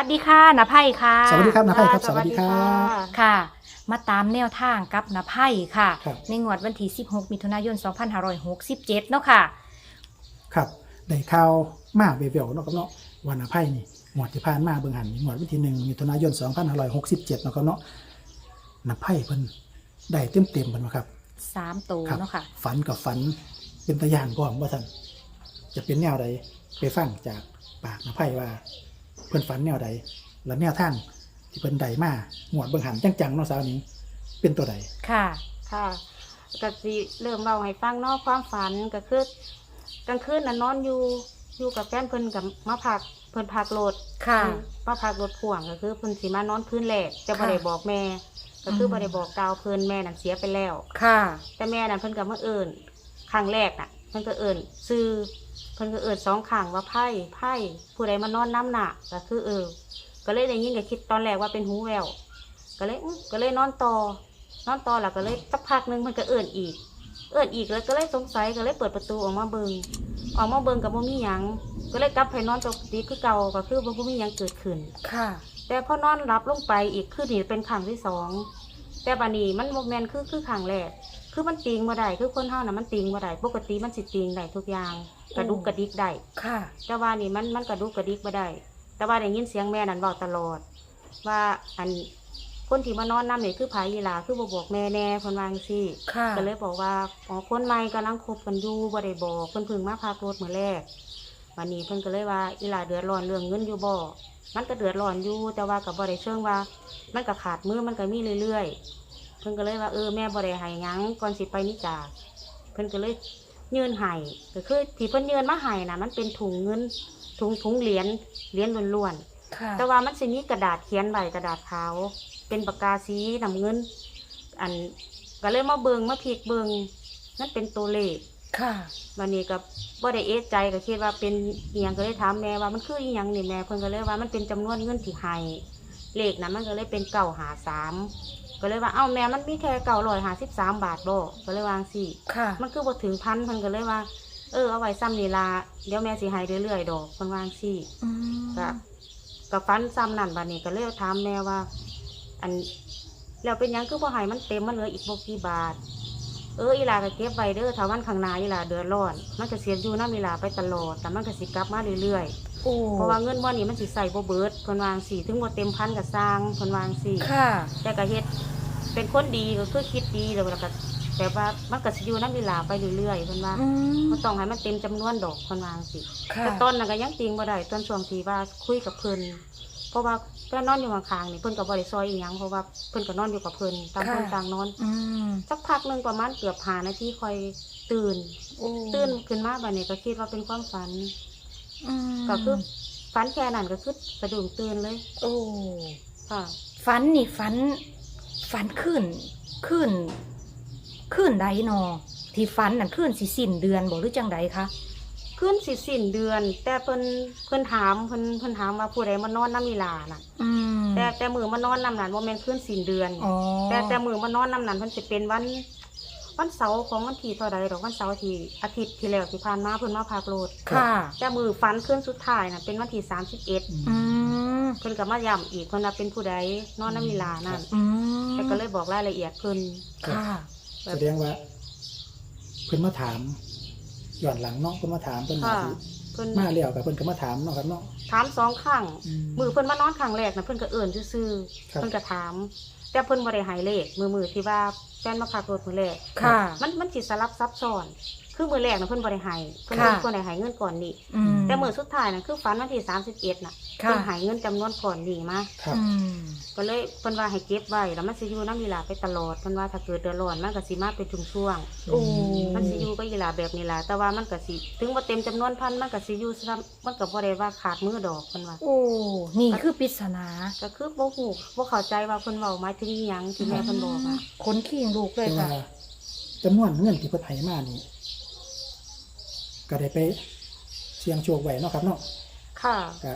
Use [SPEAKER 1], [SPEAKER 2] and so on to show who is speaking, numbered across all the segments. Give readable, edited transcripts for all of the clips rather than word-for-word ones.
[SPEAKER 1] วัสดีค่ะณไพ่ค่ะ
[SPEAKER 2] สวัสดีครับณไพ่ครับสวัสดีครับ
[SPEAKER 1] ค่ะ มาตามแนวทางกับณไพ่ค่ะ
[SPEAKER 2] ครับ
[SPEAKER 1] ในงวดวันที่16มิถุนายน2567เนาะค่ะ
[SPEAKER 2] ครับได้ข่าวมาเวลๆเนาะครับเนาะวันอภัยนี่หมวดที่ผ่านมาเบิ่งหันหมวดวันที่1มิถุนายน2567เนาะครับเนาะนำไพ่เพิ่นได้เต็มๆเพิ่นว่าครับ
[SPEAKER 1] 3ตัว
[SPEAKER 2] ครับ
[SPEAKER 1] เนาะค่ะ
[SPEAKER 2] ฝันกับฝันเป็นตะย่านพร้อมว่าซั่นจะเป็นแนวใดไปฟังจากปากนำไพ่ว่าเพิ่นฝันแนวใดและแนวทางที่เพิ่นได้มาหมวดเบิ่งหันจังๆเนาะสาวนี้เป็นตัวใด
[SPEAKER 1] ค่ะ
[SPEAKER 3] ค่ะก็สิเริ่มเล่าให้ฟังเนอกความฝันก็คือกลางคืนน่ะนอนอยู่กับแฟนเพิ่นกับมาพักเพิ่นพักรถ
[SPEAKER 1] ค่ะ
[SPEAKER 3] มาพักรถพ่วงก็คือเพิ่นสิมานอนคืนแรกจะบ่
[SPEAKER 1] ค่ะ
[SPEAKER 3] ได้บอกแม่ ก็คือ
[SPEAKER 1] ม
[SPEAKER 3] บ่ได้บอกกล่าวเพิ่นแม่นั่นเสียไปแล้ว
[SPEAKER 1] ค่ะ
[SPEAKER 3] แต่แม่นั่นเพิ่นก็มาเอิ้นครั้งแรกน่ะเพิ่นก็เอิ้นชื่อเพิ่นก็เอิ้นสองครั้งว่าไพ่ผู้ใดมานอนน้ำหนักก็คือก็เลยได้ยินก็คิดตอนแรกว่าเป็นหูแววก็เลยนอนต่แล้วก็เลยสักพักหนึงมันก็เอิ้นอีกแล้วก็เลยสงสัยก็เลยเปิดประตูออกมาเบิ่งกับบ่มีหยังก็เลยกลับไปนอนปกติคือเก่าก็คือบ่มีหยังเกิดขึ้น
[SPEAKER 1] ค่ะ
[SPEAKER 3] แต่พอนอนหลับลงไปอีกคือนี่เป็นครั้งที่สองแต่บัดนี้มันบ่แม่นคือครั้งแรกคือมันติงบ่ได้คือคนเฮาน่ะมันติงบ่ได้ปกติมันสิติงได้ทุกอย่างกระดุกกระดิกได้
[SPEAKER 1] ค่ะ
[SPEAKER 3] แต่ว่านี่มันกระดุกกระดิกบ่ได้ แต่ว่าได้ยินเสียงแม่นั่นเว้าตลอด ว่าอันคนที่มานอนนำนี่คือไผอีหลาคือบ่บอกแม่แน่เพิ่นว่าจังซี่
[SPEAKER 1] ค่ะ
[SPEAKER 3] ก็เลยบอกว่าอ๋อคนใหม่กำลังคบกันอยู่บ่ได้บอกเพิ่นเพิ่งมาพากรถมื้อแรกวันนี้เพิ่นก็เลยว่าอีหลาเดือดร้อนเรื่องเงินอยู่บ่มันก็เดือดร้อนอยู่แต่ว่าก็บ่ได้เชิงว่า มันก็ขาดมือมันก็มีเรื่อยๆเพิ่นก็เลยว่าแม่บ่ได้ให้หยังก่อนสิไปนิจาเพิ่นก็เลยยื่นให้ก็คือที่เพิ่นยื่นมาให้น่ะมันเป็นถุงเงินถุงเหรียญล้วนๆ
[SPEAKER 1] ค่ะ
[SPEAKER 3] แต่ว่ามันสิมีกระดาษเขียนใบกระดาษขาวเป็นปากกาสีน้ำเงิน อันก็เลยมามาพลิกเบิงนั่นเป็นตัวเลข
[SPEAKER 1] ค่ะ
[SPEAKER 3] วันนี้ก็บ่ได้เอะใจก็คิดว่าเป็นอีหยังก็เลยถามแม่ว่ามันคืออีหยังนี่แม่เพิ่นก็เลยว่ามันเป็นจำนวนเงินที่ให้เลขนั้นมันก็เลยเป็น953ก็เลยว่าเอ้าแม่มันมีแค่953 บาทบ่ก็เลยวาจั่งสิ
[SPEAKER 1] ค่ะ
[SPEAKER 3] มันคือบ่ถึงพันเพิ่นก็เลยว่าเอาไว้ซ้ำนี่ล่ะเดี๋ยวแม่สิให้เรื่อยๆดอกเพิ่นวาจั่งสิ
[SPEAKER 1] อืม
[SPEAKER 3] ก็ฟันซ้ำนั่นบัดนี้ก็เลยถามแม่ว่า อันแล้วเป็นหยังคือบ่ให้มันเต็มมันเหลืออีกบ่กี่บาทอีหลาก็เก็บไว้เด้อถ้าวันข้างหน้าอีหลาเดือดร้อนมันก็เสียอยู่นำอีหลาไปตลอดแต่มันก็สิกลับมาเรื่อย
[SPEAKER 1] โอ้
[SPEAKER 3] ๆเพราะว่าเงินบ่นี้มันสิใส่บ่เบิดเพิ่นวาจั่งสิถึงบ่เต็มพันก็สร้างเพิ่นวาจั่งสิ
[SPEAKER 1] ค่ะ แต่
[SPEAKER 3] แต่ก็เฮ็ดเป็นคนดีก็คือคิดดีแล้วก็แต่ว่ามันก็สิอยู่นำอีหลาไปเรื่อยๆเพิ่นว่า
[SPEAKER 1] อืม
[SPEAKER 3] บ่ต้องให้มันเต็มจำนวนดอกเพิ่นวาจั่งสิ
[SPEAKER 1] ค่ะ
[SPEAKER 3] แต่ตอนนั้นก็ยังติงบ่ได้ตอนช่วงที่ว่าคุยกับเพิ่นเพราะว่าแฟนนอนอยู่ข้างๆนี่เพิ่นก็บ่ได้ซอยอีหยังเพราะว่าเพิ่นก็นอนอยู่กับเพิ่นต่างคนต่างนอน
[SPEAKER 1] อืม
[SPEAKER 3] สักพักหนึงประมาณเกือบ5นาทีค่อยตื่น
[SPEAKER 1] โอ้
[SPEAKER 3] ตื่นขึ้นมาบัดนี้ก็คิดว่าเป็นความฝัน
[SPEAKER 1] อืม
[SPEAKER 3] ก็คือฝันแค่นั้นก็คือสะดุ้งตื่นเลย
[SPEAKER 1] โอ้
[SPEAKER 3] ค่ะ
[SPEAKER 1] ฝันนี่ฝันขึ้นใดนอที่ฝันนั่นขึ้นสิสิ้นเดือนบ่หรือจังใดคะ
[SPEAKER 3] ขึ้นสิสิ้นเดือน แต่เพิ่นถามเพิ่นถามว่าผู้ใดมานอนน้ำอีหลาน่ะ
[SPEAKER 1] อืม
[SPEAKER 3] แต่มือมานอนน้ำนั้นบ่แม่นขึ้นสิ้นเดือน
[SPEAKER 1] อ๋อ
[SPEAKER 3] แต่มือมานอนน้ำนั้นเพิ่นสิเป็นวันเสาร์ของวันที่เท่าใดดอกวันเสาร์ที่อาทิตย์ที่แล้วที่ผ่านมาเพิ่นมาพากโลด
[SPEAKER 1] ค่ะ
[SPEAKER 3] แต่มือฝันขึ้นสุดท้ายน่ะเป็นวันที่31
[SPEAKER 1] อืม
[SPEAKER 3] เพิ่นก็มาย้ำอีกเพิ่นว่าเป็นผู้ใดนอนน้ำมีลานั่น
[SPEAKER 1] อืม
[SPEAKER 3] แต่ก็เลยบอกรายละเอียดเพิ่น
[SPEAKER 1] ค่ะ
[SPEAKER 3] แบ
[SPEAKER 2] แส
[SPEAKER 3] บ
[SPEAKER 2] ดงว่าเพิ่นมาถามย้อนหลังเนาะเพิ่นมาถามเพิ่น
[SPEAKER 3] ค่ะ
[SPEAKER 2] มาสิ
[SPEAKER 3] เพิ่น
[SPEAKER 2] มาแล้วกับเพิ่นก็มาถามเนาะครับเนาะ
[SPEAKER 3] ถาม2 ครั้งมือเพิ่นมานอนครั้งแรกน่ะเพิ่นก็เอิ้นซื่อ
[SPEAKER 2] ครับ
[SPEAKER 3] ๆเพิ่นก็ถาม แต่เพิ่นบ่ได้ให้เลขมือที่ว่าแฟนมาพากรถมื้อแรก
[SPEAKER 1] ค่ะ
[SPEAKER 3] มันสิสลับซับซ้อน คือมือแรกน่ะเพิ่นบ่ได้ให้เพิ่น
[SPEAKER 1] ค่ะ
[SPEAKER 3] เพิ่นได้ให้เงินก่อนนี่
[SPEAKER 1] อืม
[SPEAKER 3] แต่มือสุดท้ายน่ะคือฝันวันที่31น่ะ
[SPEAKER 1] ค่ะ
[SPEAKER 3] เพิ่นให้เงินจำนวนก่อนนี่มา
[SPEAKER 2] ครับ
[SPEAKER 1] อืม
[SPEAKER 3] ก็เลยเพิ่นว่าให้เก็บไว้แล้วมันสิอยู่นำอีหลาไปตลอดเพิ่นว่าถ้าเกิดเดือดร้อนมันก็สิมาเป็นช่วงๆ
[SPEAKER 1] โอ้
[SPEAKER 3] มันสิอยู่ก็อีหลาแบบนี้ล่ะแต่ว่ามันก็สิถึงว่าเต็มจำนวนพันมันก็สิอยู่ซ้ำมันก็บ่ได้ว่าขาดมือดอกเพิ่นว่า
[SPEAKER 1] โอ้ นี่คือปริศนา
[SPEAKER 3] ก็คือบ่ฮู้บ่เข้าใจว่าเพิ่นเว้าหมายถึงอิหยังที่แม่เพิ่นบอกอ่ะ
[SPEAKER 1] ขนขี้งลูกเลย
[SPEAKER 2] แต่ว่า
[SPEAKER 1] ค่ะ
[SPEAKER 2] จำนวนเงินที่เพิ่นให้มานี่ก็ได้ไปเสี่ยงโชคไว้เนาะครับเนาะ
[SPEAKER 3] ค่ะ
[SPEAKER 2] ก็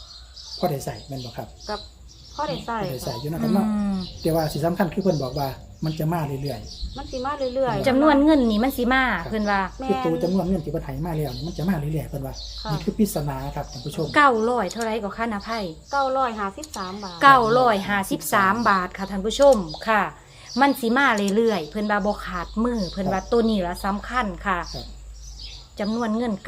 [SPEAKER 2] พอได้ใส่แม่นบ่ครับ
[SPEAKER 3] กับพ่อได้ใส่
[SPEAKER 2] พอได้ใส่
[SPEAKER 3] ค่ะ
[SPEAKER 2] อยู่เนาะครับเนาะแต่ว่าสิ่งสำคัญคือเพิ่นบอกว่ามันจะมาเรื่อย
[SPEAKER 3] มันสิมาเรื่อยๆ
[SPEAKER 1] จำนวนเงินนี่มันสิมาเพิ่นว่า
[SPEAKER 2] ๆคือตัวจำนวนเงินที่เพิ่นให้มาแล้วนี่มันจะมาเรื่อยๆเพิ่นว่า
[SPEAKER 3] ค่ะ
[SPEAKER 2] นี่คือปริศนาครับท่านผู้ชม
[SPEAKER 1] 900เท่าไรก็ค่านาไพ่
[SPEAKER 3] 953 บาท
[SPEAKER 1] 953 บาทค่ะท่านผู้ชมค่ะ มันสิมาเรื่อยๆเพิ่นว่าบ่ขาดมือเพิ่นว่าตัวนี้ละสำคัญค่ะ
[SPEAKER 2] ครับ
[SPEAKER 1] จำนวนเงิน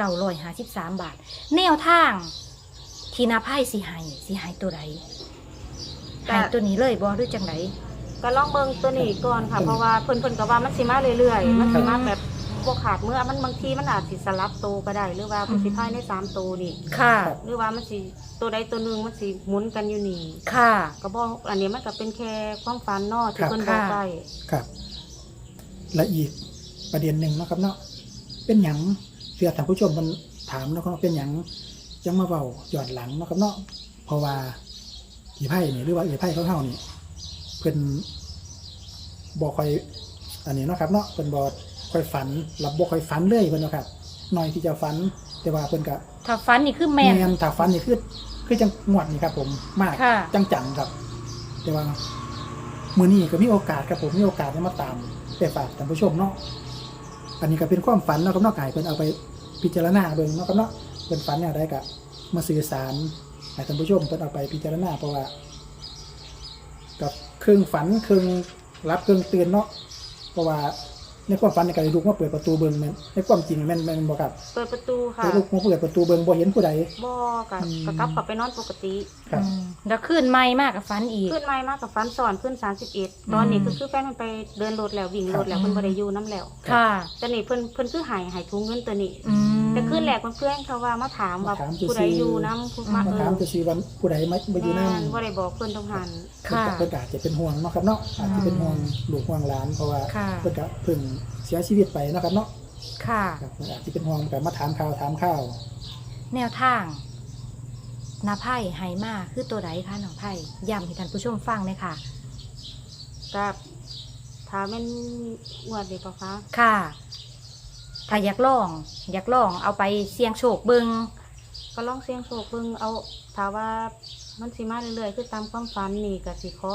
[SPEAKER 1] 953 บาท แนวทาง ที่นาไพ่สิให้ตัวใดให้ตัวนี้เลยบ่หรือจังได
[SPEAKER 3] ก็ลองเบิ่งตัวนี้ก่อนค่ะ เพราะว่าเพิ่นก็ว่ามันสิมาเรื่อย
[SPEAKER 1] อืม
[SPEAKER 3] ๆมันสิมาแบบบ่ขาดเมื่อมันบางทีมันอาจสิสลับโตวก็ได้ หรือว่าเพิ่นสิพายใน3ตัวนี่
[SPEAKER 1] ค่ะ
[SPEAKER 3] หรือว่ามันสิตัวใดตัวหนึงมันสิหมุนกันอยู่นี่
[SPEAKER 1] ค่ะ
[SPEAKER 3] ก็บ่อันนี้มันก็เป็นแค่ความฝันเนาะที่
[SPEAKER 2] ครับ
[SPEAKER 3] เพิ่นบอกไว้
[SPEAKER 2] ครับ และอีกประเด็นหนึ่งเนาะครับเนาะเป็นหยังเพื่อท่านผู้ชมมันถามเนาะครับเป็นหยังจังมาเว้าย้อนหลังเนาะครับเนาะเพราะว่าอีไพ่นี่หรือว่าอีไพ่ของเฮานี่เพิ่นบ่ค่อยอันนี้เนาะครับเนาะเพิ่นบ่ค่อยฝันรับบ่ค่อยฝันเลยเพิ่นเนาะครับน้อยที่จะฝันแต่ว่าเพิ่นก็
[SPEAKER 1] ถ้าฟันนี่คือแม่น
[SPEAKER 2] นถ้าฝันนี่คือจังงวดนี่ครับ ผมมาก
[SPEAKER 1] ค่ะ
[SPEAKER 2] จังๆครับ แต่ว่ามื้อนี้ก็มีโอกาสครับผมมีโอกาสได้มาตามไปฝากท่านผู้ชมเนาะอันนี้ก็เป็นความฝันเนาะครับเนาะกายเพิ่นเอาไปพิจารณาเบิ่งเนาะครับเนาะเพิ่นฝันแนวใดก็มาสื่อสารให้ท่านผู้ชมเพิ่นเอาไปพิจารณาเพราะว่ากับครึ่งฝันครึ่งรับครึ่งตื่นเนาะเพราะว่าในความฝันในการลุกมาเปิดประตูเบิ่งแม่นในความจริงแม่นบ่ครับ
[SPEAKER 3] เปิดประตูค่ะ
[SPEAKER 2] ไปลุกมาเปิดประตูเบิ่งบ่เห็นผู้ใด
[SPEAKER 3] บ่ก็
[SPEAKER 2] อืม
[SPEAKER 3] ก็กลับเข้าไปนอนปกติ
[SPEAKER 2] ครับ
[SPEAKER 1] แล้วขึ้นไม่มากกับฟันอีก
[SPEAKER 3] ขึ้นใหม่มากับฝันสอนขึ้น31ตอนนี้คือแฟนมันไปเดินรถแล้ววิ่งรถแล้วเพิ่นบ่ได้อยู่นํแล้ว
[SPEAKER 1] ค่ะ
[SPEAKER 3] แต่นี่เพิ่นคือให้ถุงเงินตัวนี้
[SPEAKER 1] อืม
[SPEAKER 3] แต่ขึ้นแรกเพื่อนๆเขาว่ามาถามว่า
[SPEAKER 2] มาถาม
[SPEAKER 3] ผู้ใด
[SPEAKER 2] ซื่อๆ
[SPEAKER 3] อยู่น้ำผู้มา
[SPEAKER 2] มาถามจะสิว่าผู้ใดมาอยู่นำ
[SPEAKER 3] แม่นบ่ได้บอกเพิ่นต้องหัน
[SPEAKER 1] ค่ะ
[SPEAKER 2] เพิ่นก็อาจจะเป็นห่วงเนาะครับเนาะอาจจะเป็นห่วงลูกห่วงหลานเพราะว่า
[SPEAKER 1] ค่ะ
[SPEAKER 2] เพิ่นก็เพิ่งเสียชีวิตไปเนาะครับเนาะ
[SPEAKER 1] ค่ะ
[SPEAKER 2] ครับเพิ่นอาจจะเป็นห่วงแต่มาถามข่าว
[SPEAKER 1] แนวทางนาไพ่ไฮมาคือตัวใดคะน้องไพ่ย้ำให้ท่านผู้ชมฟังเลยค่ะ
[SPEAKER 3] กับถ้าแม่นงวดนี้ปะคะ
[SPEAKER 1] ค่ะ ถ้าอยากลองเอาไปเสี่ยงโชคเบิง
[SPEAKER 3] ก็ลองเสี่ยงโชคเบิ่งเอาถ้าว่ามันสิมาเรื่อยๆคือตามความฝันนี่ก็สิขอ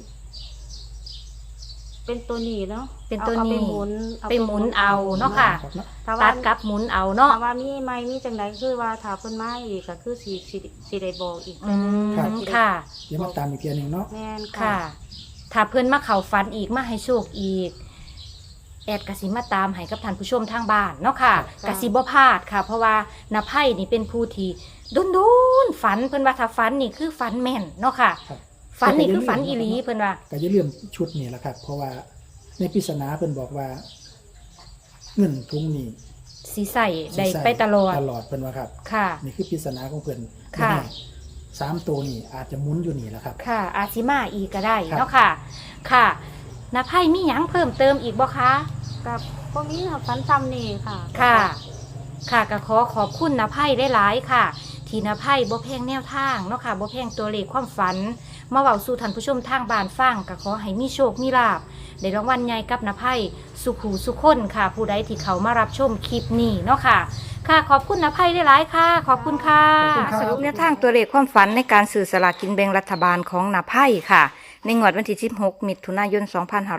[SPEAKER 3] เป็นตัวนี้เนาะ
[SPEAKER 1] เป็นตัว
[SPEAKER 3] อา
[SPEAKER 1] นี้
[SPEAKER 3] ไปหมุน
[SPEAKER 1] ไปหมุนเอาเนาะค่ะ
[SPEAKER 2] ครับเนาะ
[SPEAKER 3] ถ้า
[SPEAKER 1] ตั
[SPEAKER 3] ว่า
[SPEAKER 1] ดกับหมุนเอาเนาะ
[SPEAKER 3] ถ้าว่ามีไม่มีจังไดคือว่าถ้าเพิ่นมาอีกก็คือสิได้บอกอีก
[SPEAKER 1] อืม
[SPEAKER 2] ครับ
[SPEAKER 1] ค่ะ
[SPEAKER 2] เดี๋ยวมาตามอีกเทียหนึงเนาะ
[SPEAKER 3] แม่น
[SPEAKER 1] ค่ะ ถ้าเพิ่นมาเข้าฝันอีกมาให้โชคอีก แอดกสิมาตามให้กับท่านผู้ชมทางบ้านเนาะค่ะกสิบ่พลาดค่ะ เพราะว่านาไพ่นี่เป็นผู้ที่ดุนๆฝันเพิ่นว่าถ้าฝันนี่คือฝันแม่นเนาะค่ะ
[SPEAKER 2] ครับ
[SPEAKER 1] ฝันนี่คือฝันอีหลีเพิ่นว่า
[SPEAKER 2] ก็อย่าลืมชุดนี่แหละครับ เพราะว่าในปริศนาเพิ่นบอกว่า เงินทุงนี้
[SPEAKER 1] สีใส่
[SPEAKER 2] สิ
[SPEAKER 1] ได้
[SPEAKER 2] ใส่
[SPEAKER 1] ไปตลอด
[SPEAKER 2] ตลอดเพิ่นว่าครับ
[SPEAKER 1] ค่ะ
[SPEAKER 2] นี่คือปริศนาของเพิ่น
[SPEAKER 1] ค่ะ
[SPEAKER 2] แน่ๆ3ตัวนี่อาจจะหมุนอยู่นี่แหละครับ
[SPEAKER 1] ค่ะ อาซิมาอีกก็ได้
[SPEAKER 2] ครับ
[SPEAKER 1] เนาะค่ะ ค่ะนาไพ่มีหยังเพิ่มเติมอีกบ่คะ
[SPEAKER 3] กับพวกนี้ค่ะฝันซ้ำนี่ค่ะ
[SPEAKER 1] ค่ะ ค่ะก็ขอบคุณนาไพ่ได้หลายๆค่ะ ที่นาไพ่บ่แพงแนวทางเนาะค่ะบ่แพงตัวเลขความฝัน มาเว้าสู่ท่านผู้ชมทางบ้านฟังก็ขอให้มีโชคมีลาภได้รางวัลใหญ่กับนาไพ่สุขหูสุขคนค่ะ ผู้ใดที่เขามารับชมคลิปนี้เนาะค่ะ ค่ะ ขอบคุณนาไพ่ได้หลายๆค่ะ ขอบคุณค่ะ
[SPEAKER 2] ขอบคุณครับ
[SPEAKER 1] สรุปแนวทางตัวเลขความฝันในการสื่อสลากกินแบ่งรัฐบาลของนาไพ่ค่ะ ในงวดวันที่16มิถุนายน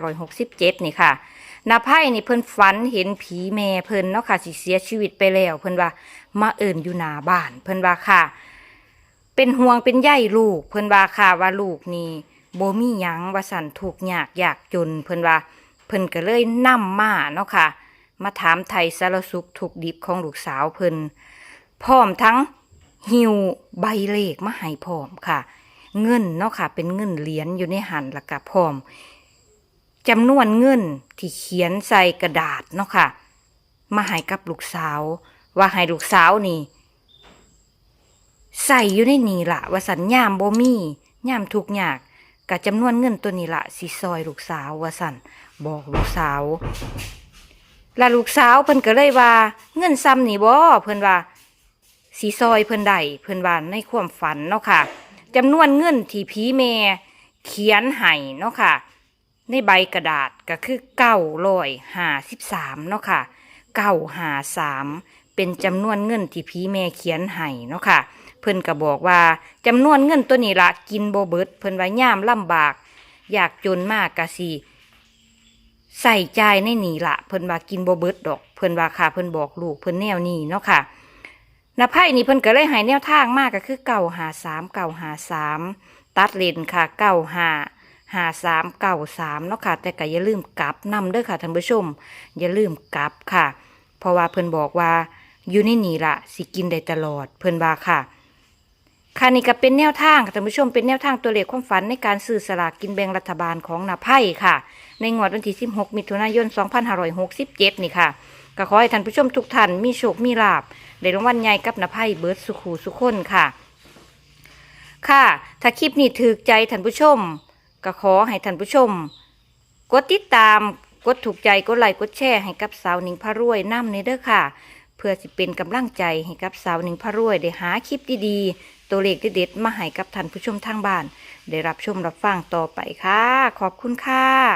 [SPEAKER 1] 2567นี่ค่ะนาไพ่นี่เพิ่นฝันเห็นผีแม่เพิ่นเนาะค่ะสิเสียชีวิตไปแล้ว เพิ่นว่ามาเอิ่นอยู่หน้าบ้านเพิ่นว่าค่ะ เป็นห่วงเป็นใยลูกเพิ่นว่าค่ะว่าลูกนี่บ่มีหยังว่าสั่นทุกข์ยากยากจนเพิ่นว่าเพิ่นก็เลยนำมาเนาะค่ะ มาถามไทยสารสุขทุกข์ดิบของลูกสาวเพิ่นพร้อมทั้งหิวใบเลขมาให้พร้อมค่ะ เงินเนาะค่ะ เป็นเงินเหรียญอยู่ในหันแล้วก็พร้อมจำนวนเงินที่เขียนใส่กระดาษเนาะค่ะ มาให้กับลูกสาว ว่าให้ลูกสาวนี่ ใส่อยู่ในนี่ละว่าสันยามบ่มียามทุกยากกับจำนวนเงินตัวนี้ละสิซอยลูกสาวว่าสันบอกลูกสาวและลูกสาวเพิ่นก็เลยว่าเงินซ้ำนี่บ่เพิ่นว่าสิซอยเพิ่นได้เพิ่นว่าในความฝันเนาะค่ะจำนวนเงินที่ผีแม่เขียนให้เนาะค่ะในใบกระดาษก็คือ953เนาะค่ะ953เป็นจำนวนเงินที่ผีแม่เขียนให้เนาะค่ะเพิ่นก็บอกว่าจำนวนเงินตัวนี้ละกินบ่เบิดเพิ่นว่าย่ามลำบากอยากจนมากกะสิใส่ใจในนี่ละเพิ่นว่ากินบ่เบิดดอกเพิ่นว่าค่ะเพิ่นบอกลูกเพิ่นแนวนี้เนาะค่ะนาไพ่นี่เพิ่นก็เลยให้แนวทางมากก็คือ953ตัดเลนค่ะ955393เนาะค่ะแต่ก็อย่าลืมกลับนำเด้อค่ะท่านผู้ชมอย่าลืมกลับค่ะเพราะว่าเพิ่นบอกว่าอยู่ในนี่ละสิกินได้ตลอดเพิ่นว่าค่ะค่ะนี่ก็เป็นแนวทางค่ะท่านผู้ชมเป็นแนวทางตัวเลขความฝันในการซื้อสลากกินแบ่งรัฐบาลของนาไพ่ค่ะในงวดวันที่16มิถุนายน2567นี่ค่ะก็ขอให้ท่านผู้ชมทุกท่านมีโชคมีลาภได้รางวัลใหญ่กับนาไพ่เบิร์ดสุขูสุขคนค่ะค่ะถ้าคลิปนี้ถูกใจท่านผู้ชมก็ขอให้ท่านผู้ชมกดติดตามกดถูกใจกดไลค์กดแชร์ให้กับสาวหนิงพารวยนำในเด้อค่ะเพื่อสิเป็นกำลังใจให้กับสาวหนิงพารวยได้หาคลิปดีๆตัวเลขเด็ดๆมาให้กับท่านผู้ชมทางบ้านได้รับชมรับฟังต่อไปค่ะขอบคุณค่ะ